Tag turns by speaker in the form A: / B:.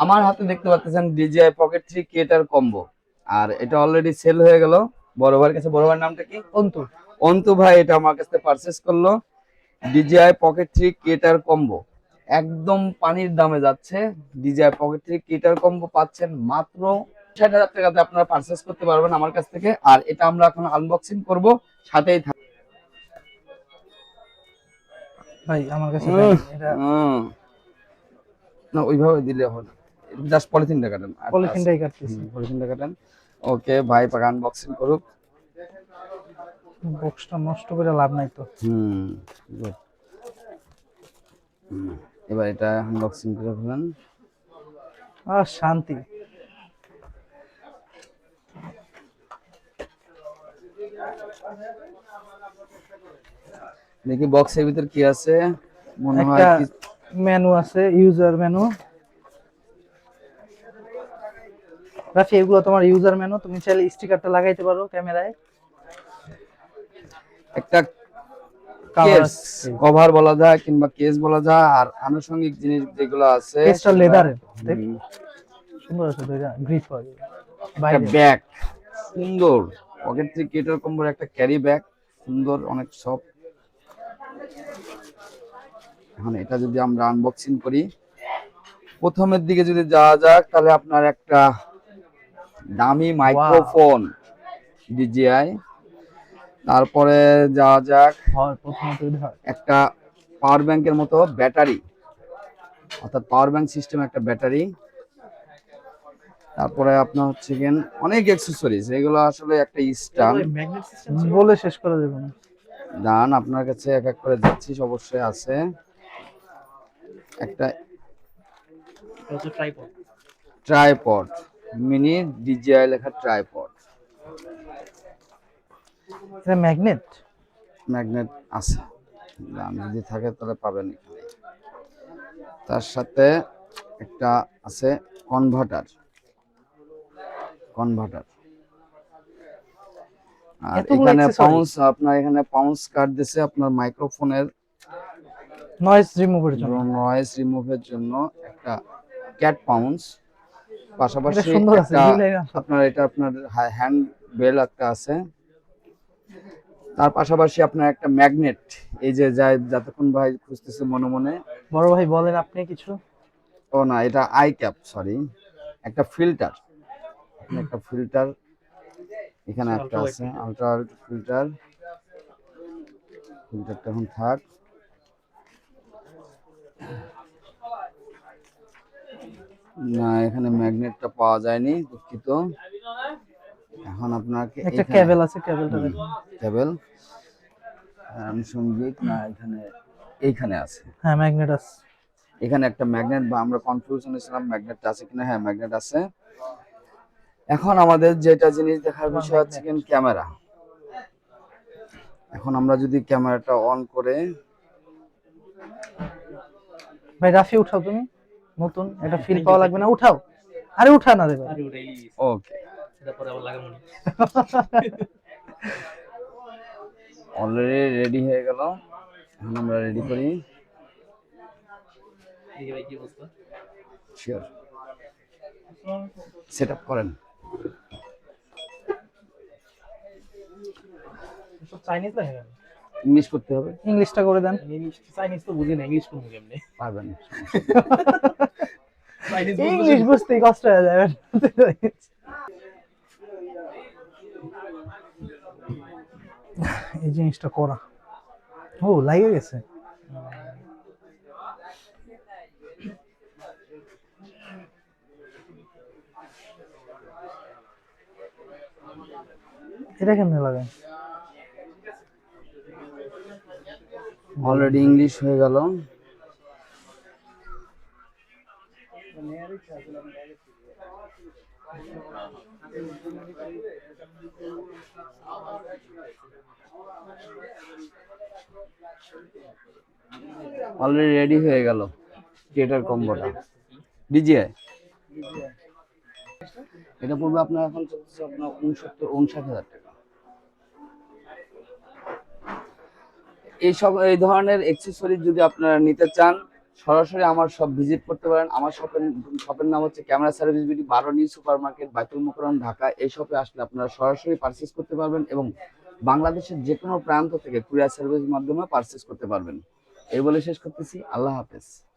A: আমার হাতে দেখতে পাচ্ছেন DJI Pocket 3 ক্রিয়েটার কম্বো, আর এটা অলরেডি সেল হয়ে গেল। বড় ভাইয়ের কাছে, বড় ভাইয়ের নামটা কি?
B: অন্তু।
A: অন্তু ভাই এটা আমার কাছে পারচেজ করলো। DJI Pocket 3 ক্রিয়েটার কম্বো একদম পানির দামে যাচ্ছে। DJI Pocket 3 ক্রিয়েটার কম্বো পাচ্ছেন মাত্র 60,000 টাকাতে আপনারা পারচেজ করতে পারবেন আমার কাছ থেকে। আর এটা আমরা এখন আনবক্সিং করব, সাথেই
B: ভাই আমার কাছে দেন এটা।
A: না ওইভাবে দিলে হবে না, জাস্ট পলিথিনটা কাটেন।
B: পলিথিনটাই কাটতেছি।
A: পলিথিনটা কাটেন। ওকে ভাই পাকা আনবক্সিং করুক।
B: বক্সটা নষ্ট করে লাভ নাই তো।
A: good. এবার এটা আনবক্সিং করে ফেলেন।
B: শান্তি।
A: দেখি বক্সের ভিতর কি আছে। মনে হয়
B: একটা
A: কি
B: মেনু আছে, ইউজার মেনু। রাফি এগুলো তোমার ইউজার মেনু, তুমি চাইলে স্টিকারটা লাগাইতে পারো ক্যামেরায়।
A: একটা কেস কভার বলা যায় কিংবা কেস বলা যায়, আর আনুষঙ্গিক জিনিস যেগুলো আছে
B: কেসটা লেদারের, সুন্দর আছে দুইটা গ্রিপ পাবে।
A: একটা ব্যাগ সুন্দর, পকেট থেকে কেটার কম্বোর একটা ক্যারি ব্যাগ সুন্দর, অনেক সফট। এখন এটা যদি আমরা আনবক্সিং করি, প্রথমের দিকে যদি যাওয়া যাক, তাহলে আপনার একটা দামি মাইক্রোফোন DJI। তারপরে যাওয়া যাক, একটা পাওয়ার ব্যাংকের মতো ব্যাটারি, অর্থাৎ পাওয়ার ব্যাংক সিস্টেম একটা ব্যাটারি। তারপরে আপনার হচ্ছে গেন অনেক অ্যাকসেসরিজ, এগুলো আসলে একটা স্ট্যান্ড
B: বলে শেষ করা যাবে না।
A: দান আপনার কাছে এক এক করে যাচ্ছি। অবশ্যই আছে একটা ট্রাইপড, মিনি DJI লেখা ট্রাইপড।
B: এটা ম্যাগনেট
A: আছে, দাম যদি থাকে তাহলে পাবেন এখানে। তার সাথে একটা আছে কনভার্টার। আর এখানে পাউন্স, আপনার এখানে পাউন্স কার্ড দিছে আপনার মাইক্রোফোনের
B: নয়েজ
A: রিমুভের জন্য একটা ক্যাট পাউন্স। পাশাপাশি আপনার এটা আপনার হ্যান্ড বেল একটা আছে। তার পাশাপাশি আপনার একটা ম্যাগনেট, এই যে যায় যতক্ষণ ভাই খুঁজতেছে মনে মনে।
B: বড় ভাই বলেন আপনি কিছু।
A: ও না, এটা আই ক্যাপ, সরি, একটা ফিল্টার। এখানে একটা আছে আলট্রা ফিল্টারটা এখন থাক। না, এখানে ম্যাগনেটটা পাওয়া যায়নি, দুঃখিত। এখন আপনাকে
B: একটা কেবল আছে,
A: কেবল সঙ্গীত না, এইখানে আছে।
B: হ্যাঁ ম্যাগনেট আছে।
A: এখানে একটা ম্যাগনেট, বা আমরা কনফিউশনে ছিলাম ম্যাগনেটটা আছে কিনা। হ্যাঁ ম্যাগনেট আছে। এখন আমাদের যেটা জিনিস দেখার বিষয় হচ্ছে ক্যামেরা। এখন আমরা যদি ক্যামেরাটা অন করে,
B: ভাই রাফি উঠাও, তুমি নতুন এটা ফিল পাওয়া লাগবে না, উঠাও। আরে উঠা না রে ভাই।
A: ওকে, এটা পরে আবার লাগাবো। অলরেডি রেডি হয়ে গেল। এখন আমরা রেডি করি। শিওর, সেটআপ করেন।
B: চাইনিজ লাগে,
A: ইংলিশ করতে হবে।
B: ইংলিশটা করে দেন।
A: ইংলিশ চাইনিজ তো বুঝি না, ইংলিশ করব কেমনে? পারবেন।
B: ইংলিশ বুঝতেই কষ্ট হয়ে যাবে। এই জিনিসটা করা, ও লাগে গেছে। এটা কেমনে লাগে?
A: অলরেডি ইংলিশ হয়ে গেল। অলরেডি রেডি হয়ে গেল ক্রিয়েটার কম্বোটা DJI। এটা পড়বে আপনার, এখন চলছে আপনার 59-59,000 টাকা। এই ধরনের অ্যাকসেসরিজ যদি আপনারা নিতে চান, সরাসরি আমার শপ ভিজিট করতে পারেন। আমার শপের নাম হচ্ছে camera service BD 12 new super market, Baitul Mukarram, Dhaka. এই শপে আসলে আপনারা সরাসরি পারচেজ করতে পারবেন এবং বাংলাদেশের যে কোনো প্রান্ত থেকে কুরিয়ার সার্ভিসের মাধ্যমে পারচেজ করতে পারবেন। এই বলে শেষ করতেছি। আল্লাহ হাফেজ।